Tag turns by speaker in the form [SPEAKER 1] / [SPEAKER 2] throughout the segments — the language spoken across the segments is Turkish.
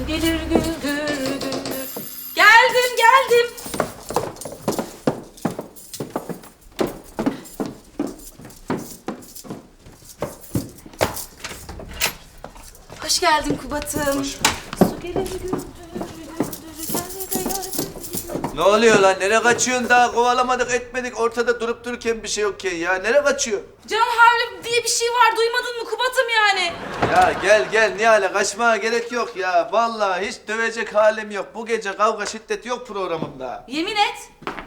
[SPEAKER 1] Su gelir güldür güldür. Geldim. Hoş geldin Kubat'ım.
[SPEAKER 2] Hoş.
[SPEAKER 1] Su gelir güldür güldür. Gel de yardım.
[SPEAKER 2] Ne oluyor lan? Nereye kaçıyorsun daha? Kovalamadık etmedik. Ortada durup dururken bir şey yokken ya. Nereye kaçıyor?
[SPEAKER 1] Can havli diye bir şey var. Duymadın mı Kubat'ım yani?
[SPEAKER 2] Ya gel Nihal'e kaçmaya gerek yok ya. Vallahi hiç dövecek halim yok. Bu gece kavga şiddet yok programımda.
[SPEAKER 1] Yemin et.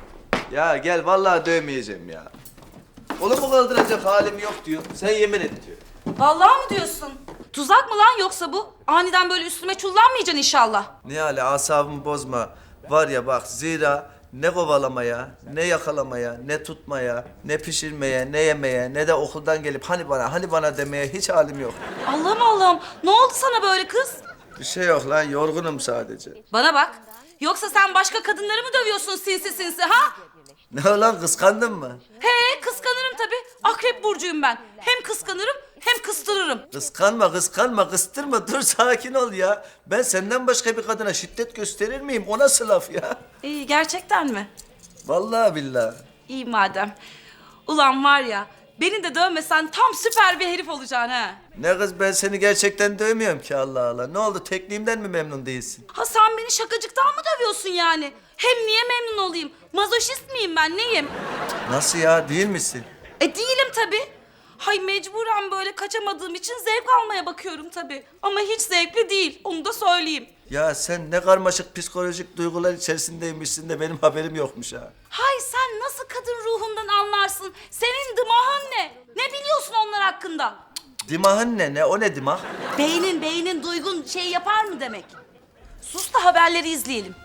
[SPEAKER 2] Ya gel vallahi dövmeyeceğim ya. Kolumu kaldıracak halim yok diyor. Sen yemin et diyor.
[SPEAKER 1] Vallahi mı diyorsun? Tuzak mı lan yoksa bu? Aniden böyle üstüme çullanmayacaksın inşallah.
[SPEAKER 2] Nihal'e asabımı bozma. Var ya bak zira ne kovalamaya, ne yakalamaya, ne tutmaya, ne pişirmeye, ne yemeye, ne de okuldan gelip hani bana demeye hiç halim yok.
[SPEAKER 1] Allah'ım. Ne oldu sana böyle kız?
[SPEAKER 2] Bir şey yok lan, yorgunum sadece.
[SPEAKER 1] Bana bak. Yoksa sen başka kadınları mı dövüyorsun sinsi ha?
[SPEAKER 2] Ne lan, kıskandın mı?
[SPEAKER 1] He kıskanırım tabii. Akrep burcuyum ben. Hem kıskanırım hem kıstırırım.
[SPEAKER 2] Kıskanma, kıstırma. Dur sakin ol ya. Ben senden başka bir kadına şiddet gösterir miyim? O nasıl laf ya?
[SPEAKER 1] İyi gerçekten mi?
[SPEAKER 2] Vallahi billahi.
[SPEAKER 1] İyi madem. Ulan var ya beni de dövmesen tam süper bir herif olacaksın ha.
[SPEAKER 2] Ne kız, ben seni gerçekten dövmüyorum ki, Allah Allah. Ne oldu, tekniğimden mi memnun değilsin?
[SPEAKER 1] Ha sen beni şakacıktan mı dövüyorsun yani? Hem niye memnun olayım? Mazoşist miyim ben neyim?
[SPEAKER 2] Nasıl ya, değil misin?
[SPEAKER 1] Değilim tabii. Hay mecburen böyle kaçamadığım için zevk almaya bakıyorum tabii. Ama hiç zevkli değil, onu da söyleyeyim.
[SPEAKER 2] Ya sen ne karmaşık psikolojik duygular içerisindeymişsin de benim haberim yokmuş ha.
[SPEAKER 1] Hay sen nasıl kadın ruhundan anlarsın? Senin dımağın ne? Ne biliyorsun onlar hakkında?
[SPEAKER 2] Dimahın ne? O ne dimah?
[SPEAKER 1] Beynin duygun şey yapar mı demek? Sus da haberleri izleyelim.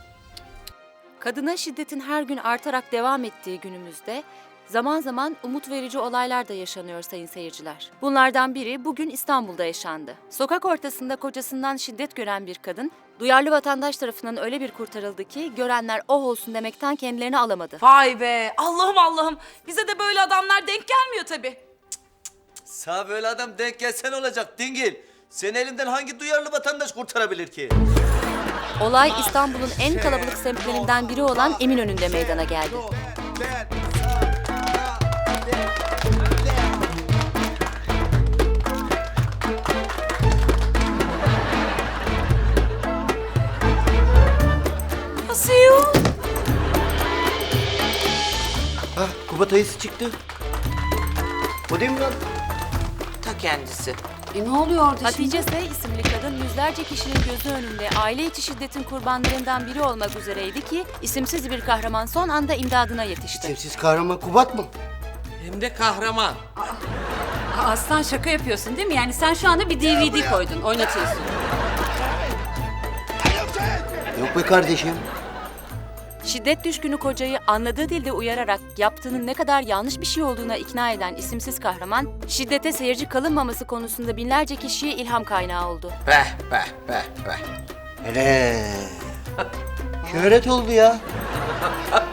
[SPEAKER 3] Kadına şiddetin her gün artarak devam ettiği günümüzde zaman zaman umut verici olaylar da yaşanıyor sayın seyirciler. Bunlardan biri bugün İstanbul'da yaşandı. Sokak ortasında kocasından şiddet gören bir kadın, duyarlı vatandaş tarafından öyle bir kurtarıldı ki görenler oh olsun demekten kendilerini alamadı.
[SPEAKER 1] Vay be Allah'ım. Bize de böyle adamlar denk gelmiyor tabii.
[SPEAKER 2] Sağ böyle adam denk gelsen olacak dingil. Seni elimden hangi duyarlı vatandaş kurtarabilir ki?
[SPEAKER 3] Olay İstanbul'un en kalabalık semtlerinden biri olan Eminönü'nde meydana geldi.
[SPEAKER 1] Nasıl ya?
[SPEAKER 4] Ha, Kubat ayısı çıktı. O değil mi lan?
[SPEAKER 5] Ta kendisi.
[SPEAKER 1] Ne oluyor orada
[SPEAKER 3] Hatice S. isimli kadın yüzlerce kişinin gözü önünde aile içi şiddetin kurbanlarından biri olmak üzereydi ki isimsiz bir kahraman son anda imdadına yetişti.
[SPEAKER 4] Sevsiz kahraman Kubat mı?
[SPEAKER 5] Hem de kahraman.
[SPEAKER 6] Aslan şaka yapıyorsun değil mi? Yani sen şu anda bir DVD koydun, oynatıyorsun.
[SPEAKER 4] Yok be kardeşim.
[SPEAKER 3] Şiddet düşkünü kocayı anladığı dilde uyararak yaptığının ne kadar yanlış bir şey olduğuna ikna eden isimsiz kahraman, şiddete seyirci kalınmaması konusunda binlerce kişiye ilham kaynağı oldu.
[SPEAKER 5] Be.
[SPEAKER 4] Hele. Şöhret oldu ya.